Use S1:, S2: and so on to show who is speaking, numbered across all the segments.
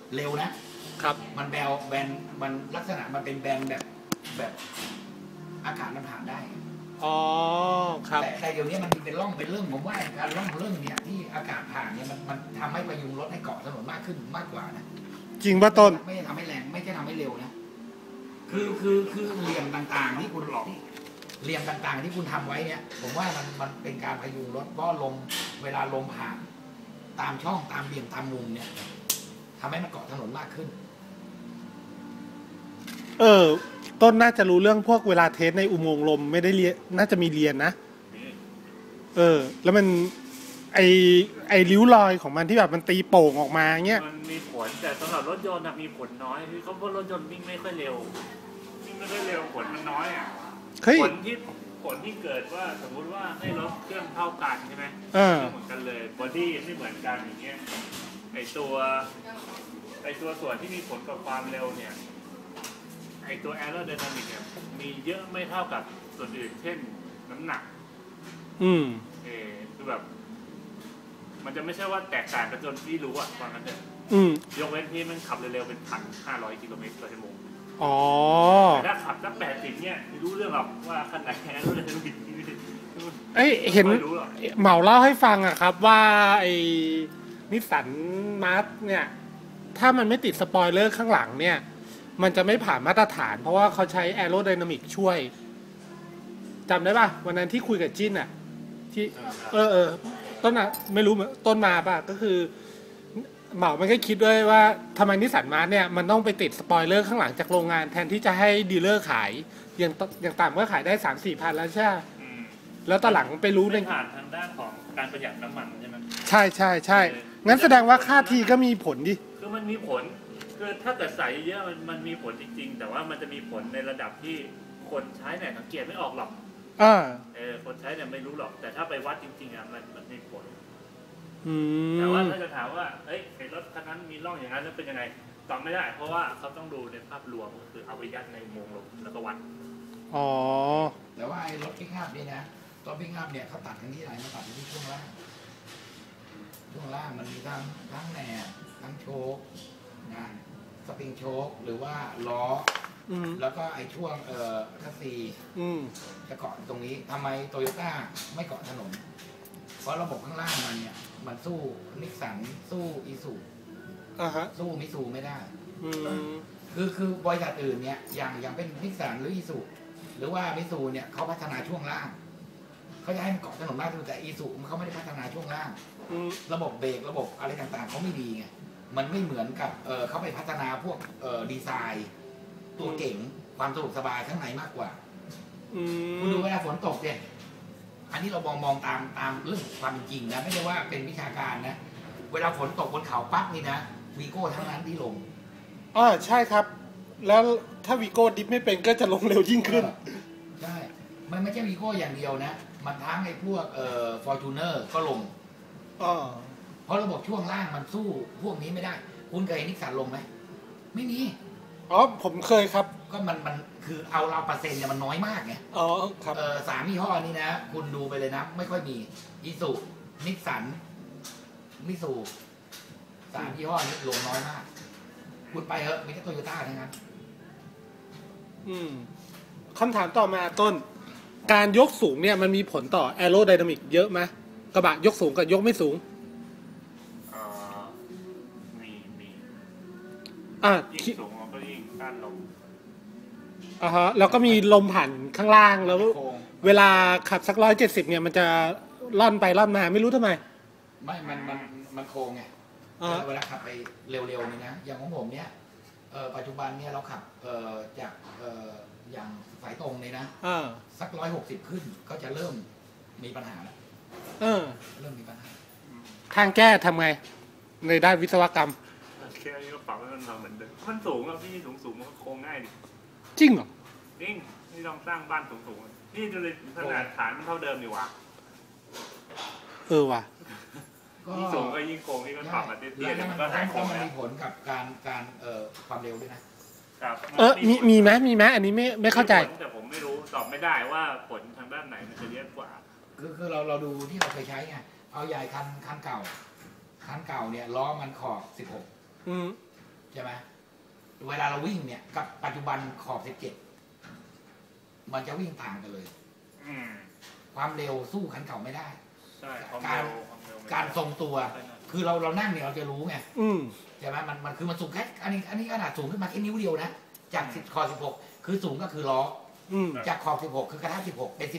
S1: เร็วนะครับมันแบนมันลักษณะมันเป็นแบนแบบอากาศมันผ่านได้
S2: อ๋อครับ
S1: แต่เดี๋ยวนี้มันเป็นร่องเป็นเรื่องผมว่าการร่องเรื่องเนี่ยที่อากาศผ่านเนี่ยมันทำให้พยุงรถให้เกาะถนนมากขึ้นมากกว่านะ
S2: จริงป่ะต้น
S1: ไม่ได้ทำให้แรงไม่ใช่ทำให้เร็วนะคือเหลี่ยมต่างๆที่คุณหลอกเหลี่ยมต่างๆที่คุณทำไว้เนี่ยผมว่ามันเป็นการพยุงรถเพราะลมเวลาลมผ่านตามช่องตามเหลี่ยมตามมุมเนี่ยทำให้มันเกาะถนนมากขึ้น
S2: ต้นน่าจะรู้เรื่องพวกเวลาเทสในอุโมงค์ลมไม่ได้เรียนน่าจะมีเรียนนะแล้วมันไอริ้วรอยของมันที่แบบมันตีโป่งออกมาเงี้ย
S3: มันมีผลแต่สำหรับรถยนต์มีผลน้อยคือเขาเพราะรถยนต์วิ่งไม่ค่อยเร็วผลมันน้อยอ่ะผลที่เกิดว่าสมมุติว่าให้รถเครื่องเท่ากันใช่ไหมเหมือนกันเลยบอดี้ไม่เหมือนกันอย่างเงี้ยไอตัวส่วนที่มีผลกับความเร็วเนี่ยไอตัวแอโรไดนามิกเนี่ยมีเยอะไม่เท่ากับส่วนอื่นเช่นน้ำหนักคือแบบมันจะไม่ใช่ว่าแตกต่างกันจนที่รู้อ่ะว่างั้นเถอะยกเว้นที่มันขับเร็วๆเป็น1,500 กิโลเมตรต่อชั่วโมงแต่ถ้าขับสัก80เนี่ยไม่รู้เรื่องหรอกว่าคันไหนแอโรไดนามิก
S2: เห็นเหมาเล่าให้ฟังอะครับว่าไอ้นิสสันมาร์ชเนี่ยถ้ามันไม่ติดสปอยเลอร์ข้างหลังเนี่ยมันจะไม่ผ่านมาตรฐานเพราะว่าเขาใช้แอโรไดนามิกช่วยจำได้ป่ะวันนั้นที่คุยกับจิ้นอะที่ต้นอะไม่รู้ต้นมาป่ะก็คือเหมามันก็คิดด้วยว่าทำไมนิสสันมาร์ชเนี่ยมันต้องไปติดสปอยเลอร์ข้างหลังจากโรงงานแทนที่จะให้ดีลเลอร์ขายอย่างต่ำก็ขายได้ 3-4 พันแล้วใช่แล้วตอนหลังไปรู้
S3: ในผ่านทางด้านของการประหยัดน้ำมันใช่ไหม
S2: ใช่งั้นแสดงว่าค่าทีก็มีผลดิ
S3: คือมันมีผลคือถ้าเกิดใส่เยอะมันมีผลจริงๆแต่ว่ามันจะมีผลในระดับที่คนใช้เนี่ยสังเกตไม่ออกหรอกคนใช้เนี่ยไม่รู้หรอกแต่ถ้าไปวัดจริงๆมันมีผลแต่ว่าถ้าจะถามว่าไอ้รถคันนั้นมีร่องอย่างนั้นแล้วเป็นยังไงตอบไม่ได้เพราะว่าเขาต้องดูในภาพรวมคือเอาไปยัดในอุโมงค์ลมแล้วก็วัด
S1: แต่ว่าไอ้รถพิกอัพนี่นะรถพิกอัพเนี่ยเขาตัดกันที่ไหนมาตัดที่ช่วงล่างมันมีทั้งแหนบทั้งโชคนะสปริงโชคหรือว่าล้อแล้วก็ไอ้ช่วงคัสซีจะเกาะตรงนี้ทำไมโตโยต้าไม่เกาะถนนเพราะระบบข้างล่างมันเนี่ยมันสู้นิสสันสู้อีซูสู้มิซูไม่ได้คือบริษัทอื่นเนี่ยอย่างเป็นนิสสันหรืออีซูหรือว่ามิซูเนี่ยเขาพัฒนาช่วงล่างเขาจะให้มันเกาะถนนมากแต่อีซูเขาไม่ได้พัฒนาช่วงล่างระบบเบรกระบบอะไรต่างๆเขาไม่ดีไงมันไม่เหมือนกับเขาไปพัฒนาพวกดีไซน์ตัวเก่งความสะดวกสบายข้างในมากกว่าคุณดูเวลาฝนตกเนี่ยอันนี้เรามองตามเรื่องความจริงนะไม่ใช่ว่าเป็นวิชาการนะเวลาฝนตกบนเขาปั๊บนี่นะวีโก้ทั้งนั้นที่ลง
S2: ใช่ครับแล้วถ้าวีโก้ดิฟไม่เป็นก็จะลงเร็วยิ่งขึ้น
S1: ใช่มันไม่ใช่วีโก้อย่างเดียวนะมันทั้งไอ้พวกฟอร์จูเนอร์ก็ลงเพราะระบบช่วงล่างมันสู้พวกนี้ไม่ได้คุณเคยเห็นนิสสันลงไหมไม่มี
S2: ผมเคยครับ
S1: ก็มันคือเอาเราเปอร์เซ็นต์เนี่ยมันน้อยมากไง
S2: ครับ
S1: 3 ยี่ห้อนี้นะคุณดูไปเลยนะไม่ค่อยมีอีซูนิสสันมิซู3 ยี่ห้อนี้ลงน้อยมากคุณไปมีแค่โตโยต้าเท่านั้น
S2: คำถามต่อมาต้นการยกสูงเนี่ยมันมีผลต่อแอโรไดนามิกเยอะไหมกระบะยกสูงกับยกไม่สูง
S3: ยิ่งสูงมันก็ยิ่งต้านลม
S2: แล้วก็มีลมผ่านข้างล่างแล้วเวลาขับสัก170เนี่ยมันจะล่อนไปล่อนมาไม่รู้ทำไม
S1: ไม่มันโค้งไงเวลาขับไปเร็วๆนี่นะอย่างของผมเนี่ยปัจจุบันเนี่ยเราขับจากอย่างสายตรงเลยนะสัก160ขึ้นก็จะเริ่มมีปัญหาแล้วเริ่มมีปัญหา
S2: ทางแก้ทำไงในด้านวิศวกรรม
S3: แค่นี้ก็ปรับให้มันมาเหมือนเดิมมันสูงอ่ะพี่สูงมันโค้งง่ายดิ
S2: จริงเหรอ
S3: จริงนี่ลองสร้างบ้านสูงนี่จะเลยขนาดฐานมันเท่าเดิมอยู่วะ
S2: ว่ะ
S3: ยิ่งสูงก็ยิ่งโค้งนี่ก็ปรับมาเตี้ยๆมันก็หายโค้ง
S1: แล้วมีผลกับการความเร็วด้วยนะ
S2: มีไหมอันนี้ไม่เข้าใจ
S3: แต่ผมไม่รู้ตอบไม่ได้ว่าผลทางด้านไหนมันจะเยอะกว่า
S1: คือเราดูที่เราเคยใช้ไงเอาใหญ่คันเก่าเนี่ยล้อมันขอบ16 ใช่ไหมเวลาเราวิ่งเนี่ยกับปัจจุบันขอบ17มันจะวิ่งต่างกันเลยความเร็วสู้คันเก่าไม่ได้การทรงตัวคือเรานั่งเนี่ยเราจะรู้ไงใช่ไหมมันคือมันสูงแค่อันนี้ขนาดสูงขึ้นมาแค่นิ้วเดียวนะจากขอบ16คือสูงก็คือล้อจากขอบ16คือกระทะ16เป็น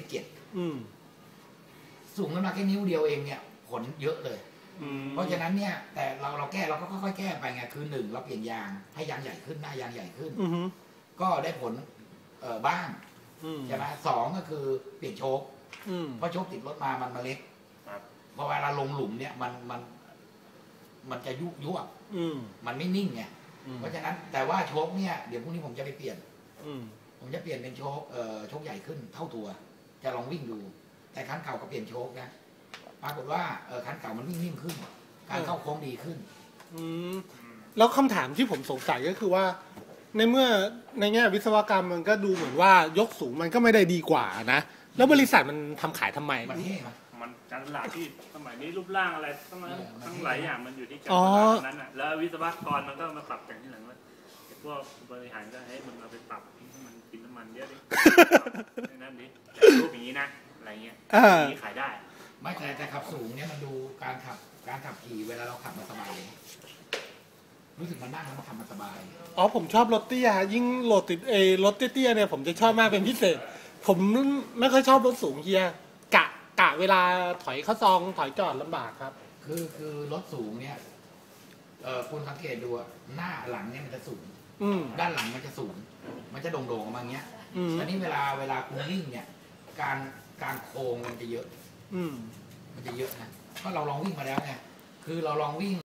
S1: 17สูงขึ้นมาแค่นิ้วเดียวเองเนี่ยผลเยอะเลยเพราะฉะนั้นเนี่ยแต่เราแก้เราก็ค่อยๆแก้ไปไงคือ1เราเปลี่ยนยางให้ยางใหญ่ขึ้นหน้ายางใหญ่ขึ้นก็ได้ผลบ้างใช่ไหม2ก็คือเปลี่ยนโชคเพราะโชคติดรถมามันเล็กพอเวลาลงหลุมเนี่ยมันจะยุบมันไม่นิ่งไงเพราะฉะนั้นแต่ว่าโชคเนี่ยเดี๋ยวพรุ่งนี้ผมจะไปเปลี่ยนผมจะเปลี่ยนเป็นโชคใหญ่ขึ้นเท่าตัวจะลองวิ่งดูแต่คันเก่าก็เปลี่ยนโชคนะปรากฏว่าคันเก่ามันวิ่งนิ่มขึ้นการเข้าโค้งดีขึ้น
S2: แล้วคำถามที่ผมสงสัยก็คือว่าในเมื่อในแง่วิศวกรรมมันก็ดูเหมือนว่ายกสูงมันก็ไม่ได้ดีกว่านะแล้วบริษัทมันทำขายทำไม
S3: มันการตลาดที่สมัยนี้รูปร่างอะไรทั้งหลายอย่างมันอยู่ที่การตลาดนั้นอ่ะแล้ววิศวกรมันก็มาปรับแต่งที่หลังว่าพวกบริหารก็ให้มันเอาไปปรับให้มันกินน้ำมันเยอะดินั่นดิรูปอย่างนี้นะอะไรเงี้ยนี่ขายได้
S1: ไม่แต่ขับสูงเนี่ยมันดูการขับขี่เวลาเราขับมาสบายรู้สึกมันนั่งแล้วมันขับมาสบาย
S2: ผมชอบรถเตี้ยยิ่งรถเตี้ยเนี่ยผมจะชอบมากเป็นพิเศษผมไม่ค่อยชอบรถสูงเฮียกะเวลาถอยเข้าซองถอยจอดลำบากครับ
S1: คือรถสูงเนี่ยคุณสังเกตดูหน้าหลังเนี่ยมันจะสูงด้านหลังมันจะสูงมันจะโด่งๆออกมาอย่างเงี้ยอันนี้เวลาคุณวิ่งเนี่ยการโค้งมันจะเยอะมันจะเยอะนะก็เราลองวิ่งมาแล้วไงคือเราลองวิ่ง